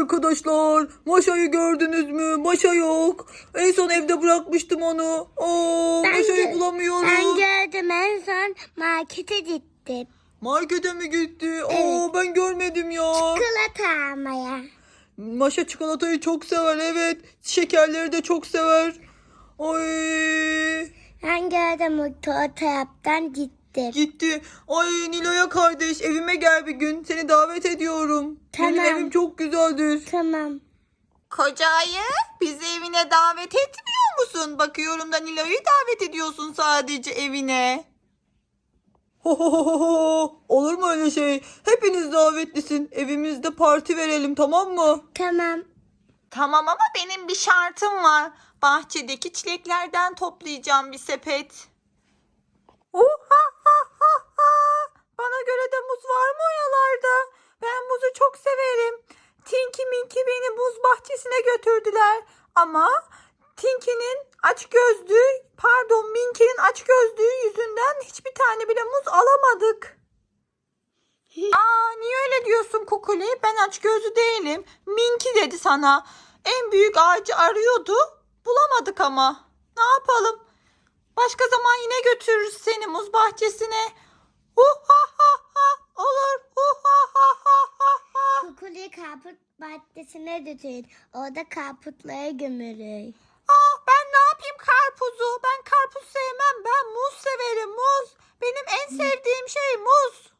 arkadaşlar. Maşa'yı gördünüz mü? Maşa yok. En son evde bırakmıştım onu. Maşa'yı bulamıyorum. Ben gördüm, en son markete gittim. Markete mi gitti? Evet. Ben görmedim ya. Çikolata almaya. Maşa çikolatayı çok sever, evet. Şekerleri de çok sever. Ay. Ben gördüm, o taraftan gittim. Gitti. Ay Nilo'ya kardeş, evime gel bir gün. Seni davet ediyorum. Tamam. Benim evim çok güzeldir. Tamam. Kocayı bizi evine davet etmiyor musun? Bakıyorum da Nilo'yu davet ediyorsun sadece evine. Olur mu öyle şey? Hepiniz davetlisin. Evimizde parti verelim, tamam mı? Tamam. Tamam ama benim bir şartım var. Bahçedeki çileklerden toplayacağım bir sepet. Bana göre de muz var mı oralarda? Ben muzu çok severim. Tinky Minky beni muz bahçesine götürdüler. Ama Minky'nin açgözlüğü yüzünden hiçbir tane bile muz alamadık. Niye öyle diyorsun Kukuli? Ben açgözlü değilim. Minky dedi sana. En büyük ağacı arıyordu. Bulamadık ama. Ne yapalım? Başka zaman yine götürürüz seni muz bahçesine. Olur. Kukuli karput bahçesine götür. Orada karputları gömülür. Ben ne yapayım karpuzu? Ben karpuz sevmem. Ben muz severim, muz. Benim en sevdiğim şey muz.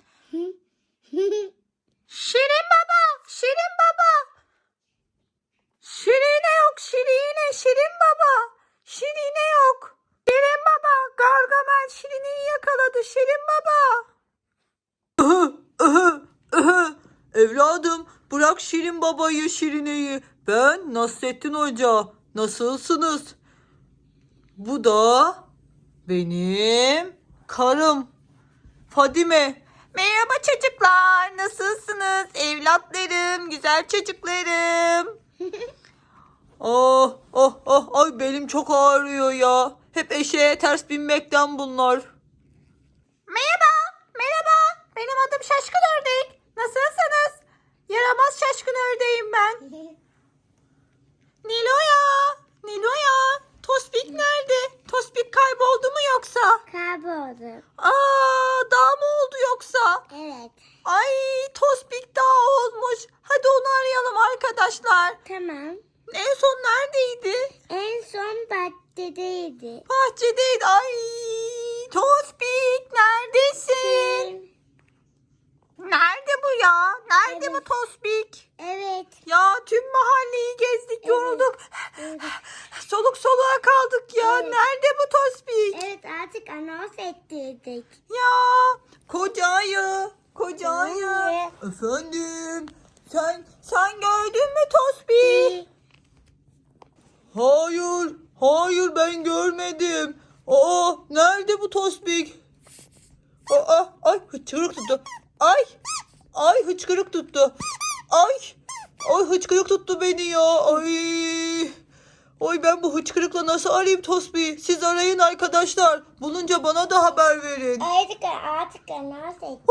Şirin baba, Şirin baba. Şirine yok, Şirin baba. Şirine yok. Şirin baba, Gargamel Şirine'yi yakaladı, Şirin baba. Evladım, bırak Şirin babayı, Şirine'yi. Ben Nasrettin Hoca. Nasılsınız? Bu da benim karım Fadime. Merhaba çocuklar. Nasılsınız? Evlatlarım, güzel çocuklarım. Ay belim çok ağrıyor ya. Hep eşeğe ters binmekten bunlar. Merhaba. Benim adım Şaşkın Ördek. Nasılsınız? Yaramaz şaşkın ördeğim ben. Nilo'ya. Tospik nerede? Tospik kayboldu mu yoksa? Kayboldu. Dağ mı oldu yoksa? Evet. Ay Tospik dağ olmuş. Hadi onu arayalım arkadaşlar. Tamam. En son neredeydi? En son bahçedeydi. Bahçedeydi. Ay Tospik neredesin? Nerede bu ya? Nerede Evet. bu Tospik? Evet. Ya tüm mahalleyi gezdik, yorulduk. Evet. Soluk soluğa kaldık ya. Evet. Nerede bu Tospik? Evet, artık anons ettirdik. Ya kocayı. Anne. Efendim. Sen gördün mü Tospik? Hayır ben görmedim. Nerede bu Tospik? Ay hıçkırık tuttu. Ay hıçkırık tuttu. Ay hıçkırık tuttu beni ya. Ay ben bu hıçkırıkla nasıl arayayım Tospik'i? Siz arayın arkadaşlar. Bulunca bana da haber verin. Artık anons ettirdik.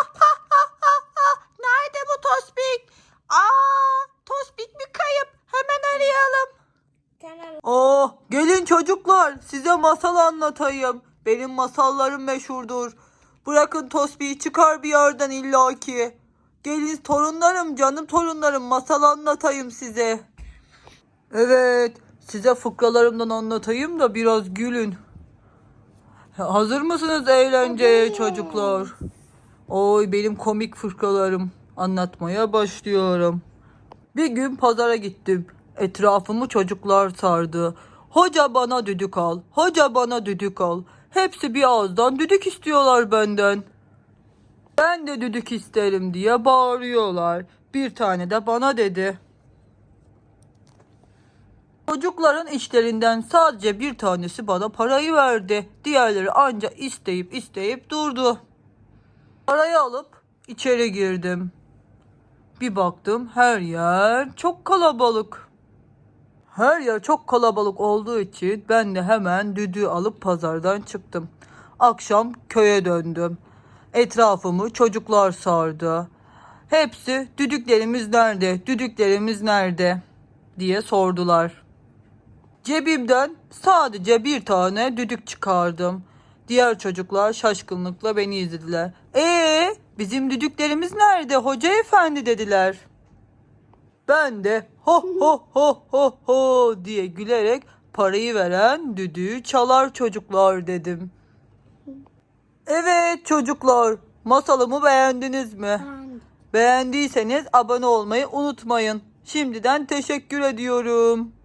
Nerede bu Tospik? Tospik bir kayıp. Hemen arayalım. Tamam. Gelin çocuklar, size masal anlatayım. Benim masallarım meşhurdur. Bırakın Tospik'i, çıkar bir yerden illaki. Gelin torunlarım, canım torunlarım, masal anlatayım size. Evet, size fıkralarımdan anlatayım da biraz gülün. Hazır mısınız eğlenceye Hazırız. çocuklar? Oy benim komik fıkralarım. Anlatmaya başlıyorum. Bir gün pazara gittim. Etrafımı çocuklar sardı. Hoca bana düdük al, hoca bana düdük al. Hepsi bir ağızdan düdük istiyorlar benden. Ben de düdük isterim diye bağırıyorlar. Bir tane de bana dedi. Çocukların içlerinden sadece bir tanesi bana parayı verdi. Diğerleri anca isteyip durdu. Parayı alıp içeri girdim. Bir baktım her yer çok kalabalık. Her yer çok kalabalık olduğu için ben de hemen düdüğü alıp pazardan çıktım. Akşam köye döndüm. Etrafımı çocuklar sardı. Hepsi düdüklerimiz nerede, düdüklerimiz nerede diye sordular. Cebimden sadece bir tane düdük çıkardım. Diğer çocuklar şaşkınlıkla beni izlediler. Bizim düdüklerimiz nerede hoca efendi dediler. Ben de ho ho ho ho ho diye gülerek parayı veren düdüğü çalar çocuklar dedim. Evet çocuklar, masalımı beğendiniz mi? Beğendiyseniz abone olmayı unutmayın. Şimdiden teşekkür ediyorum.